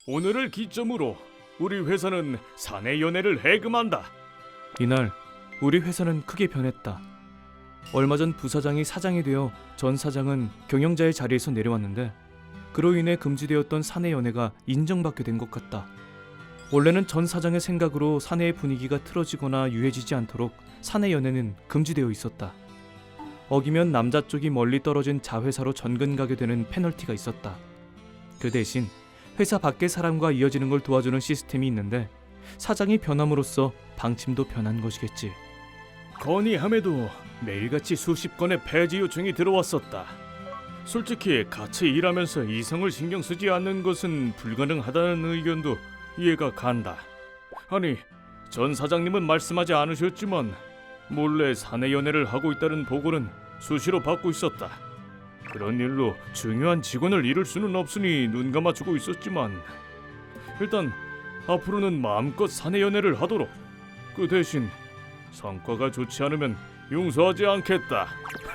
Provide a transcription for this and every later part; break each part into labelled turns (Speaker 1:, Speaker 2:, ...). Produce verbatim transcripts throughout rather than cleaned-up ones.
Speaker 1: 오늘을 기점으로 우리 회사는 사내 연애를 해금한다.
Speaker 2: 이날 우리 회사는 크게 변했다. 얼마 전 부사장이 사장이 되어 전 사장은 경영자의 자리에서 내려왔는데 그로 인해 금지되었던 사내 연애가 인정받게 된 것 같다. 원래는 전 사장의 생각으로 사내의 분위기가 틀어지거나 유해지지 않도록 사내 연애는 금지되어 있었다. 어기면 남자 쪽이 멀리 떨어진 자회사로 전근 가게 되는 페널티가 있었다. 그 대신 회사 밖의 사람과 이어지는 걸 도와주는 시스템이 있는데 사장이 변함으로써 방침도 변한 것이겠지.
Speaker 1: 건의함에도 매일같이 수십 건의 폐지 요청이 들어왔었다. 솔직히 같이 일하면서 이성을 신경 쓰지 않는 것은 불가능하다는 의견도 이해가 간다. 아니, 전 사장님은 말씀하지 않으셨지만 몰래 사내 연애를 하고 있다는 보고는 수시로 받고 있었다. 그런 일로 중요한 직원을 잃을 수는 없으니 눈 감아주고 있었지만 일단 앞으로는 마음껏 사내 연애를 하도록. 그 대신 성과가 좋지 않으면 용서하지 않겠다.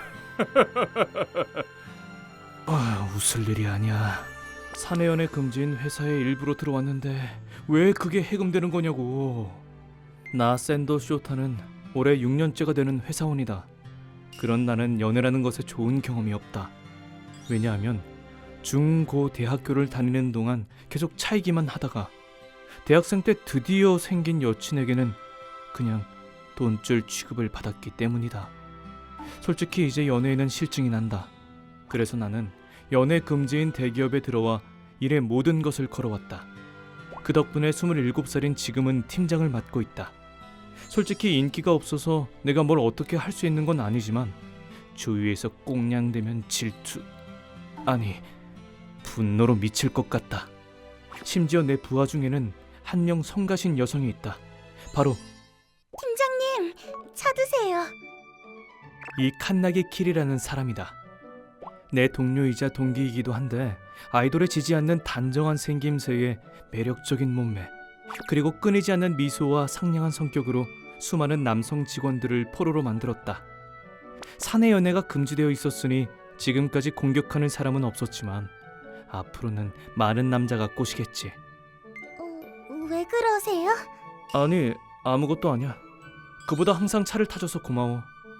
Speaker 2: 아, 웃을 일이 아니야. 사내 연애 금지인 회사에 일부러 들어왔는데 왜 그게 해금되는 거냐고. 나 샌더 쇼타는 올해 육 년째가 되는 회사원이다. 그런 나는 연애라는 것에 좋은 경험이 없다. 왜냐하면 중, 고 대학교를 다니는 동안 계속 차이기만 하다가 대학생 때 드디어 생긴 여친에게는 그냥 돈줄 취급을 받았기 때문이다. 솔직히 이제 연애에는 실증이 난다. 그래서 나는 연애 금지인 대기업에 들어와 일의 모든 것을 걸어왔다. 그 덕분에 스물일곱 살인 지금은 팀장을 맡고 있다. 솔직히 인기가 없어서 내가 뭘 어떻게 할 수 있는 건 아니지만 주위에서 꽁냥대면 질투, 아니 분노로 미칠 것 같다. 심지어 내 부하 중에는 한 명 성가신 여성이 있다. 바로
Speaker 3: 팀장님, 차 드세요.
Speaker 2: 이 칸나기 킬이라는 사람이다. 내 동료이자 동기이기도 한데 아이돌에 지지 않는 단정한 생김새에 매력적인 몸매, 그리고 끊이지 않는 미소와 상냥한 성격으로 수많은 남성 직원들을 포로로 만들었다. 사내 연애가 금지되어 있었으니 지금까지 공격하는 사람은 없었지만 앞으로는 많은 남자가 꼬시겠지.
Speaker 3: 어, 왜 그러세요?
Speaker 2: 아니, 아무것도 아니야. 그보다 항상 차를 타줘서 고마워.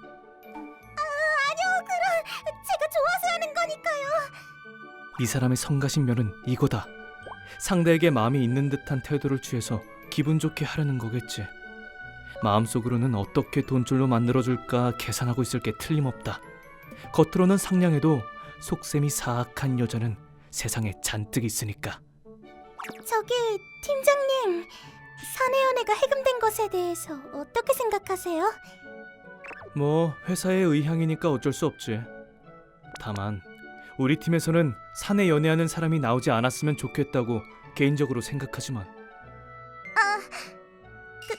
Speaker 3: 아니요, 그럼 제가 좋아서 하는 거니까요.
Speaker 2: 이 사람의 성가신 면은 이거다. 상대에게 마음이 있는 듯한 태도를 취해서 기분 좋게 하려는 거겠지. 마음속으로는 어떻게 돈줄로 만들어줄까 계산하고 있을 게 틀림없다. 겉으로는 상냥해도 속셈이 사악한 여자는 세상에 잔뜩 있으니까.
Speaker 3: 저기, 팀장님, 사내 연애가 해금된 것에 대해서 어떻게 생각하세요?
Speaker 2: 뭐 회사의 의향이니까 어쩔 수 없지. 다만 우리 팀에서는 사내 연애하는 사람이 나오지 않았으면 좋겠다고 개인적으로 생각하지만.
Speaker 3: 아, 그,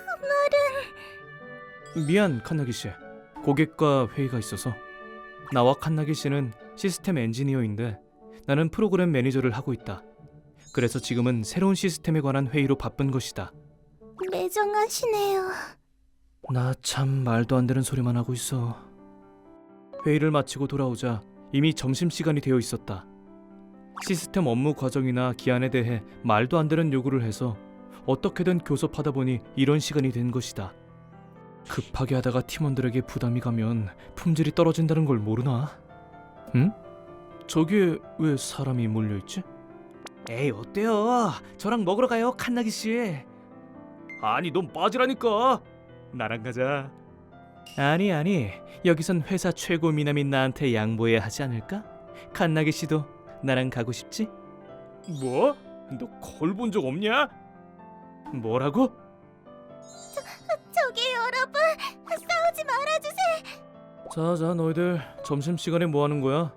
Speaker 3: 그 말은...
Speaker 2: 미안, 칸나기 씨. 고객과 회의가 있어서. 나와 칸나기 씨는 시스템 엔지니어인데 나는 프로그램 매니저를 하고 있다. 그래서 지금은 새로운 시스템에 관한 회의로 바쁜 것이다.
Speaker 3: 매정하시네요.
Speaker 2: 나 참 말도 안 되는 소리만 하고 있어. 회의를 마치고 돌아오자 이미 점심시간이 되어 있었다. 시스템 업무 과정이나 기한에 대해 말도 안 되는 요구를 해서 어떻게든 교섭하다 보니 이런 시간이 된 것이다. 급하게 하다가 팀원들에게 부담이 가면 품질이 떨어진다는 걸 모르나? 응? 저기에 왜 사람이 몰려있지? 에이, 어때요? 저랑 먹으러 가요, 칸나기 씨.
Speaker 1: 아니, 넌 빠지라니까.
Speaker 2: 나랑 가자. 아니 아니, 여기선 회사 최고 미남인 나한테 양보해야 하지 않을까? 칸나기 씨도 나랑 가고 싶지?
Speaker 1: 뭐? 너 거울 본 적 없냐?
Speaker 2: 뭐라고?
Speaker 3: 저기 여러분, 싸우지 말아주세요.
Speaker 2: 자자, 너희들 점심시간에 뭐 하는 거야?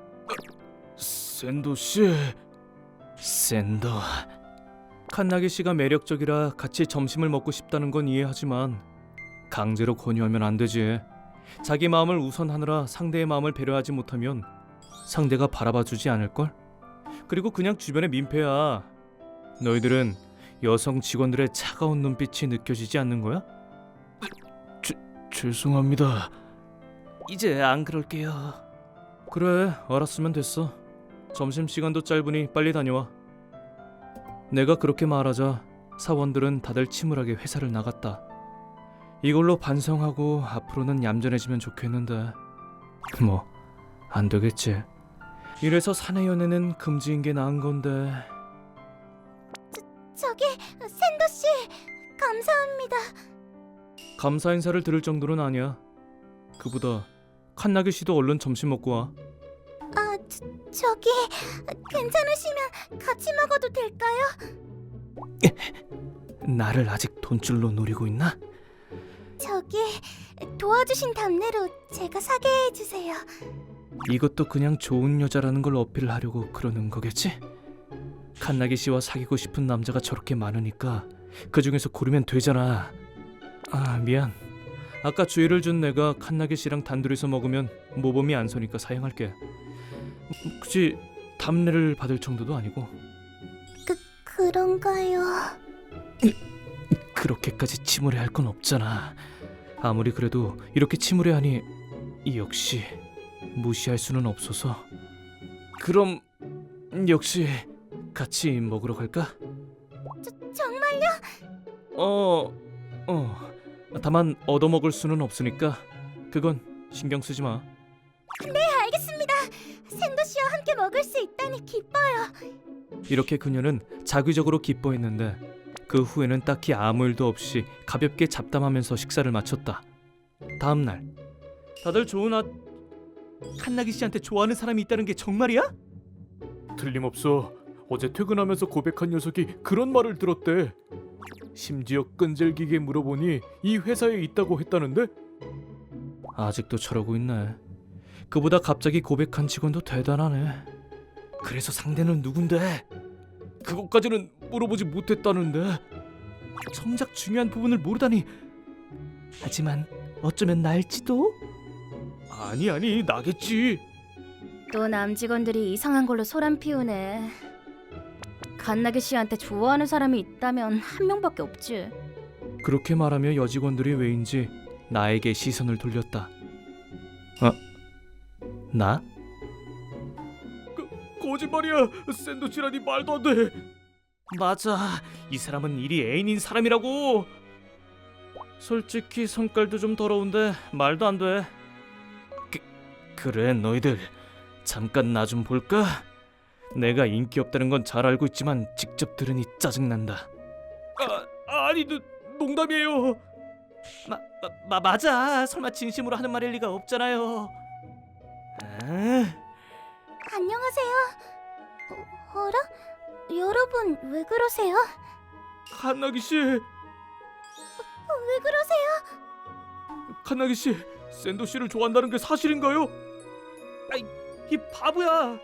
Speaker 1: 샌도 씨.
Speaker 2: 샌더. 칸나기 씨가 매력적이라 같이 점심을 먹고 싶다는 건 이해하지만 강제로 권유하면 안 되지. 자기 마음을 우선하느라 상대의 마음을 배려하지 못하면 상대가 바라봐주지 않을걸? 그리고 그냥 주변의 민폐야. 너희들은 여성 직원들의 차가운 눈빛이 느껴지지 않는 거야?
Speaker 1: 죄, 죄송합니다.
Speaker 2: 이제 안 그럴게요. 그래, 알았으면 됐어. 점심시간도 짧으니 빨리 다녀와. 내가 그렇게 말하자 사원들은 다들 침울하게 회사를 나갔다. 이걸로 반성하고 앞으로는 얌전해지면 좋겠는데 뭐 안 되겠지. 이래서 사내 연애는 금지인 게 나은 건데.
Speaker 3: 저기 샌도 씨 감사합니다.
Speaker 2: 감사 인사를 들을 정도는 아니야. 그보다 칸나기 씨도 얼른 점심 먹고 와.
Speaker 3: 아 저, 저기 괜찮으시면 같이 먹어도 될까요?
Speaker 2: 나를 아직 돈줄로 노리고 있나?
Speaker 3: 저기 도와주신 답례로 제가 사게 해주세요.
Speaker 2: 이것도 그냥 좋은 여자라는 걸 어필하려고 그러는 거겠지? 칸나기 씨와 사귀고 싶은 남자가 저렇게 많으니까 그 중에서 고르면 되잖아. 아 미안. 아까 주의를 준 내가 칸나기 씨랑 단둘이서 먹으면 모범이 안 서니까 사양할게. 굳이 답례를 받을 정도도 아니고.
Speaker 3: 그 그런가요?
Speaker 2: 그렇게까지 침울해할 건 없잖아. 아무리 그래도 이렇게 침울해하니 역시 무시할 수는 없어서. 그럼 역시 같이 먹으러 갈까?
Speaker 3: 저, 정말요?
Speaker 2: 어, 어. 다만 얻어먹을 수는 없으니까 그건 신경 쓰지 마.
Speaker 3: 네 알겠습니다. 샌도 씨와 함께 먹을 수 있다니 기뻐요.
Speaker 2: 이렇게 그녀는 자기적으로 기뻐했는데 그 후에는 딱히 아무 일도 없이 가볍게 잡담하면서 식사를 마쳤다. 다음 날 다들 좋은 아... 칸나기 씨한테 좋아하는 사람이 있다는 게 정말이야?
Speaker 1: 틀림없어. 어제 퇴근하면서 고백한 녀석이 그런 말을 들었대. 심지어 끈질기게 물어보니 이 회사에 있다고 했다는데?
Speaker 2: 아직도 저러고 있네. 그보다 갑자기 고백한 직원도 대단하네. 그래서 상대는 누군데?
Speaker 1: 그것까지는 물어보지 못했다는데.
Speaker 2: 정작 중요한 부분을 모르다니. 하지만 어쩌면 날지도?
Speaker 1: 아니 아니 나겠지.
Speaker 4: 또 남직원들이 이상한 걸로 소란 피우네. 갓나기 씨한테 좋아하는 사람이 있다면 한 명밖에 없지.
Speaker 2: 그렇게 말하며 여직원들이 왜인지 나에게 시선을 돌렸다. 어? 나?
Speaker 1: 거짓말이야. 샌드위치라니 말도 안 돼.
Speaker 2: 맞아. 이 사람은 일이 애인인 사람이라고. 솔직히 성깔도 좀 더러운데 말도 안 돼. 그, 그래 너희들 잠깐 나 좀 볼까? 내가 인기 없다는 건 잘 알고 있지만 직접 들으니 짜증난다.
Speaker 1: 아 아니 노, 농담이에요.
Speaker 2: 마, 마, 마 맞아. 설마 진심으로 하는 말일 리가 없잖아요. 아,
Speaker 3: 안녕하세요. 어, 어라? 여러분 왜 그러세요?
Speaker 1: 칸나기 씨,
Speaker 3: 왜 그러세요?
Speaker 1: 칸나기 씨, 샌도 씨를 좋아한다는 게 사실인가요?
Speaker 2: 이 바보야.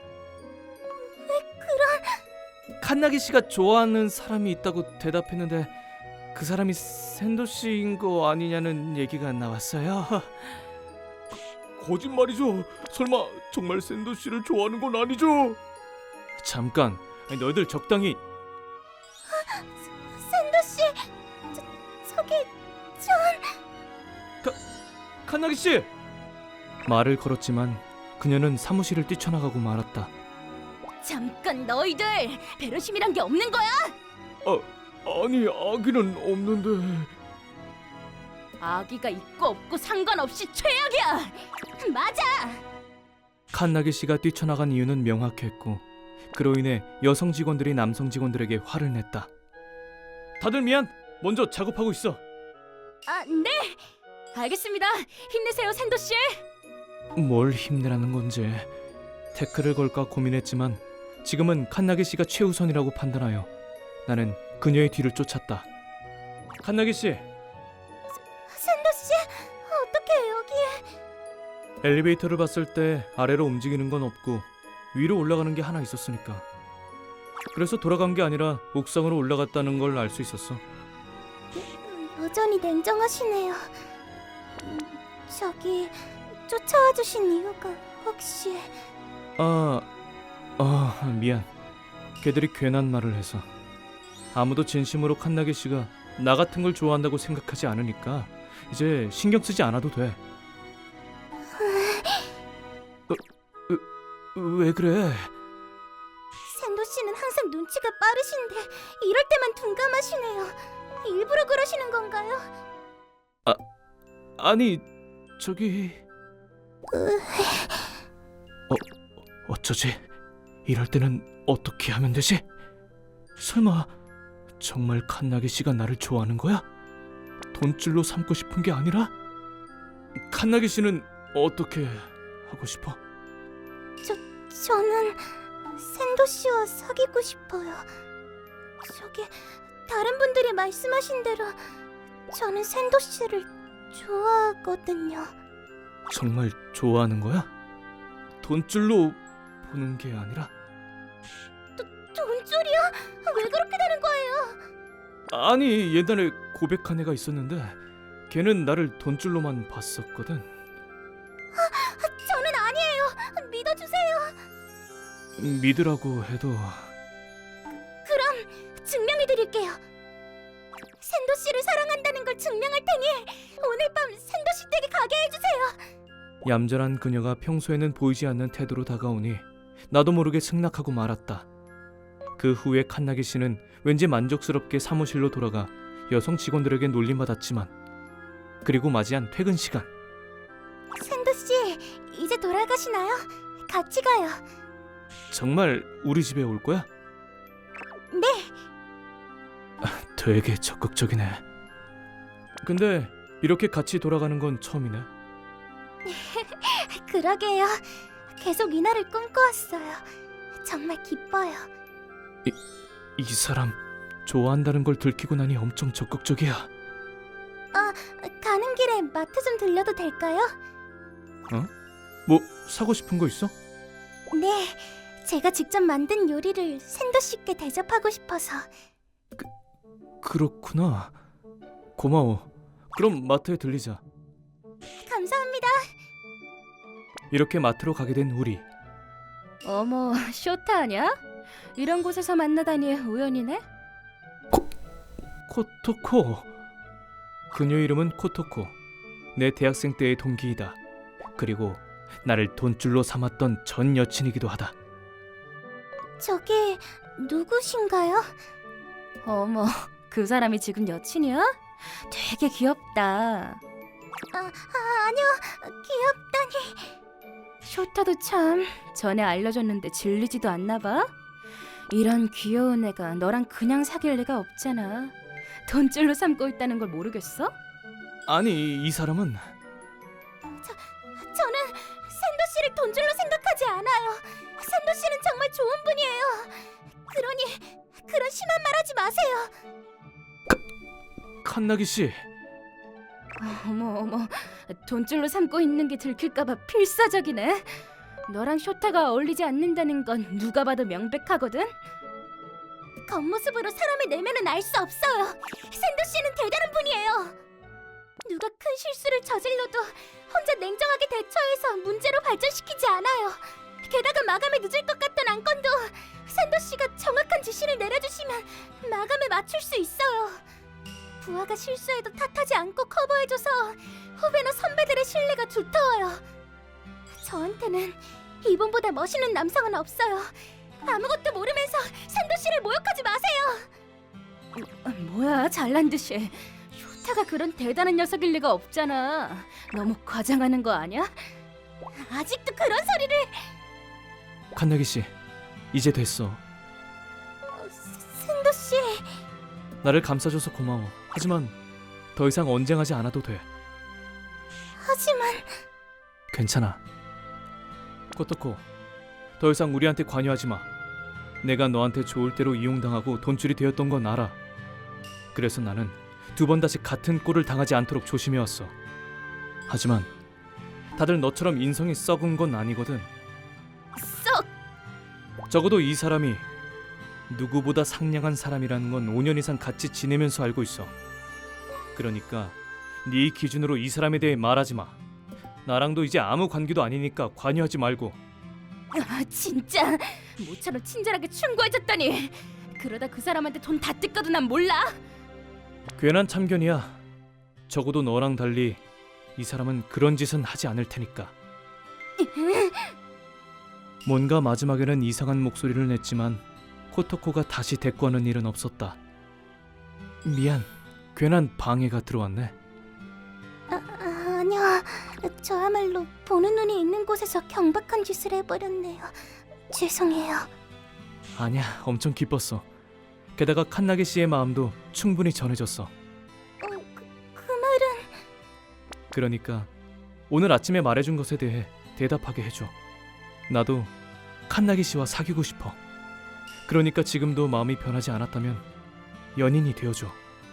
Speaker 2: 칸나기 씨가 좋아하는 사람이 있다고 대답했는데 그 사람이 샌도 씨인 거 아니냐는 얘기가 나왔어요.
Speaker 1: 거짓말이죠. 설마 정말 샌도 씨를 좋아하는 건 아니죠?
Speaker 2: 잠깐. 아니, 너희들 적당히.
Speaker 3: 샌도 씨, 저, 저기 전
Speaker 2: 칸나기 씨. 말을 걸었지만 그녀는 사무실을 뛰쳐나가고 말았다.
Speaker 4: 잠깐 너희들 배려심이란 게 없는 거야?
Speaker 1: 아니 아기는 없는데.
Speaker 4: 아기가 있고 없고 상관없이 최악이야. 맞아.
Speaker 2: 칸나기 씨가 뛰쳐나간 이유는 명확했고 그로 인해 여성 직원들이 남성 직원들에게 화를 냈다. 다들 미안. 먼저 작업하고 있어.
Speaker 4: 아, 네. 알겠습니다. 힘내세요, 샌도 씨.
Speaker 2: 뭘 힘내라는 건지. 태클을 걸까 고민했지만 지금은 칸나기 씨가 최우선이라고 판단하여 나는 그녀의 뒤를 쫓았다. 칸나기 씨.
Speaker 3: 샌도 씨 어떻게 여기에?
Speaker 2: 엘리베이터를 봤을 때 아래로 움직이는 건 없고 위로 올라가는 게 하나 있었으니까. 그래서 돌아간 게 아니라 옥상으로 올라갔다는 걸 알 수 있었어.
Speaker 3: 여전히 냉정하시네요. 음, 저기 쫓아와 주신 이유가 혹시?
Speaker 2: 아, 아 미안. 걔들이 괜한 말을 해서. 아무도 진심으로 칸나기 씨가 나 같은 걸 좋아한다고 생각하지 않으니까 이제 신경 쓰지 않아도 돼. 어, 어, 왜 그래?
Speaker 3: 샌도 씨는 항상 눈치가 빠르신데 이럴 때만 둔감하시네요. 일부러 그러시는 건가요?
Speaker 2: 아니, 저기... 어, 어쩌지? 이럴 때는 어떻게 하면 되지? 설마 정말 칸나기 씨가 나를 좋아하는 거야? 돈줄로 삼고 싶은 게 아니라? 칸나기 씨는 어떻게 하고 싶어?
Speaker 3: 저는 샌도 씨와 사귀고 싶어요. 저기 다른 분들이 말씀하신 대로 저는 샌도 씨를 좋아하거든요.
Speaker 2: 정말 좋아하는 거야? 돈줄로 보는 게 아니라?
Speaker 3: 돈줄이요? 왜 그렇게 되는 거예요?
Speaker 2: 아니, 옛날에 고백한 애가 있었는데 걔는 나를 돈줄로만 봤었거든.
Speaker 3: 저는 아니에요. 믿어주세요.
Speaker 2: 믿으라고 해도
Speaker 3: 그럼 증명해드릴게요. 샌도 씨를 사랑한다는 걸 증명할 테니 오늘 밤 샌도 씨 댁에 가게 해주세요.
Speaker 2: 얌전한 그녀가 평소에는 보이지 않는 태도로 다가오니 나도 모르게 승낙하고 말았다. 그 후에 칸나기 씨는 왠지 만족스럽게 사무실로 돌아가 여성 직원들에게 놀림받았지만 그리고 맞이한 퇴근 시간.
Speaker 3: 샌도 씨 이제 돌아가시나요? 같이 가요.
Speaker 2: 정말 우리 집에 올 거야?
Speaker 3: 네.
Speaker 2: 되게 적극적이네. 근데 이렇게 같이 돌아가는 건 처음이네.
Speaker 3: 그러게요. 계속 이 날을 꿈꿔왔어요. 정말 기뻐요.
Speaker 2: 이 사람 좋아한다는 걸 들키고 나니 엄청 적극적이야.
Speaker 3: 가는 길에 마트 좀 들려도 될까요?
Speaker 2: 뭐 사고 싶은 거 있어?
Speaker 3: 네. 제가 직접 만든 요리를 샌도 씨께 대접하고 싶어서.
Speaker 2: 그렇구나. 고마워. 그럼 마트에 들리자.
Speaker 3: 감사합니다.
Speaker 2: 이렇게 마트로 가게 된 우리.
Speaker 4: 어머, 쇼타 아냐? 이런 곳에서 만나다니 우연이네.
Speaker 2: 코토코. 그녀 이름은 코토코. 내 대학생 때의 동기이다. 그리고 나를 돈줄로 삼았던 전 여친이기도 하다.
Speaker 3: 저게 누구신가요?
Speaker 4: 어머, 그 사람이 지금 여친이야? 되게 귀엽다.
Speaker 3: 아, 아 아니요. 귀엽다니.
Speaker 4: 쇼타도 참 전에 알려줬는데 질리지도 않나 봐. 이런 귀여운 애가 너랑 그냥 사귈 리가 없잖아. 돈줄로 삼고 있다는 걸 모르겠어?
Speaker 2: 아니, 이 사람은
Speaker 3: 저는 샌도 씨를 돈줄로 생각하지 않아요. 샌도 씨는 정말 좋은 분이에요. 그러니 그런 심한 말 하지 마세요.
Speaker 2: 칸나기 씨.
Speaker 4: 어머 어머, 돈줄로 삼고 있는 게 들킬까봐 필사적이네. 너랑 쇼타가 어울리지 않는다는 건 누가 봐도 명백하거든.
Speaker 3: 겉모습으로 사람의 내면은 알 수 없어요. 샌도 씨는 대단한 분이에요. 누가 큰 실수를 저질러도 혼자 냉정하게 대처해서 문제로 발전시키지 않아요. 게다가 마감이 늦을 것 같던 안건도 샌도 씨가 정확한 지시를 내려주시면 마감에 맞출 수 있어요. 부하가 실수해도 탓하지 않고 커버해줘서 후배나 선배들의 신뢰가 두터워요. 저한테는 이분보다 멋있는 남성은 없어요. 아무것도 모르면서 샌도 씨를 모욕하지 마세요.
Speaker 4: 뭐야, 잘난 듯이. 쇼타가 그런 대단한 녀석일 리가 없잖아. 너무 과장하는 거 아니야?
Speaker 3: 아직도 그런 소리를.
Speaker 2: 칸나기 씨, 이제 됐어.
Speaker 3: 샌도 씨.
Speaker 2: 나를 감싸줘서 고마워. 하지만 더 이상 언쟁하지 않아도 돼.
Speaker 3: 하지만
Speaker 2: 괜찮아. 코토코, 더 이상 우리한테 관여하지 마. 내가 너한테 좋을 대로 이용당하고 돈줄이 되었던 건 알아. 그래서 나는 두 번 다시 같은 꼴을 당하지 않도록 조심해왔어. 하지만 다들 너처럼 인성이 썩은 건 아니거든.
Speaker 3: 썩.
Speaker 2: 적어도 이 사람이 누구보다 상냥한 사람이라는 건 오 년 이상 같이 지내면서 알고 있어. 그러니까 네 기준으로 이 사람에 대해 말하지 마. 나랑도 이제 아무 관계도 아니니까 관여하지 말고.
Speaker 4: 아, 진짜 모처럼 친절하게 충고해줬더니 그러다 그 사람한테 돈 다 뜯겨도 난 몰라.
Speaker 2: 괜한 참견이야. 적어도 너랑 달리 이 사람은 그런 짓은 하지 않을 테니까. 뭔가 마지막에는 이상한 목소리를 냈지만 코토코가 다시 대꾸하는 일은 없었다. 미안, 괜한 방해가 들어왔네.
Speaker 3: 아, 아니요. 저야말로 보는 눈이 있는 곳에서 경박한 짓을 해버렸네요. 죄송해요.
Speaker 2: 아니야, 엄청 기뻤어. 게다가 칸나기 씨의 마음도 충분히 전해졌어.
Speaker 3: 어, 그, 그 말은...
Speaker 2: 그러니까 오늘 아침에 말해준 것에 대해 대답하게 해줘. 나도 칸나기 씨와 사귀고 싶어. 그러니까 지금도 마음이 변하지 않았다면 연인이 되어줘.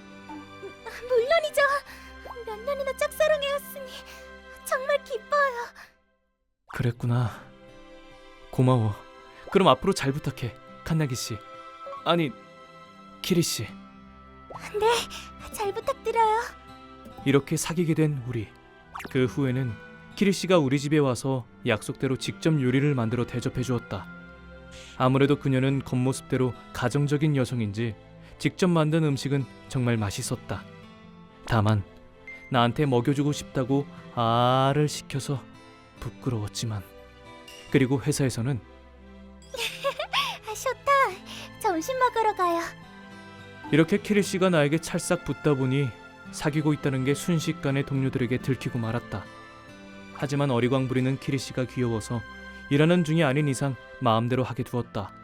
Speaker 3: 물론이죠. 몇 년이나 짝사랑해왔으니 정말 기뻐요.
Speaker 2: 그랬구나. 고마워. 그럼 앞으로 잘 부탁해, 칸나기 씨. 아니, 키리 씨.
Speaker 3: 네, 잘 부탁드려요.
Speaker 2: 이렇게 사귀게 된 우리. 그 후에는 키리 씨가 우리 집에 와서 약속대로 직접 요리를 만들어 대접해 주었다. 아무래도 그녀는 겉모습대로 가정적인 여성인지 직접 만든 음식은 정말 맛있었다. 다만 나한테 먹여주고 싶다고 아를 시켜서 부끄러웠지만. 그리고 회사에서는
Speaker 3: 아, 쇼타, 점심 먹으러 가요.
Speaker 2: 이렇게 키리 씨가 나에게 찰싹 붙다 보니 사귀고 있다는 게 순식간에 동료들에게 들키고 말았다. 하지만 어리광 부리는 키리 씨가 귀여워서 일하는 중이 아닌 이상 마음대로 하게 두었다.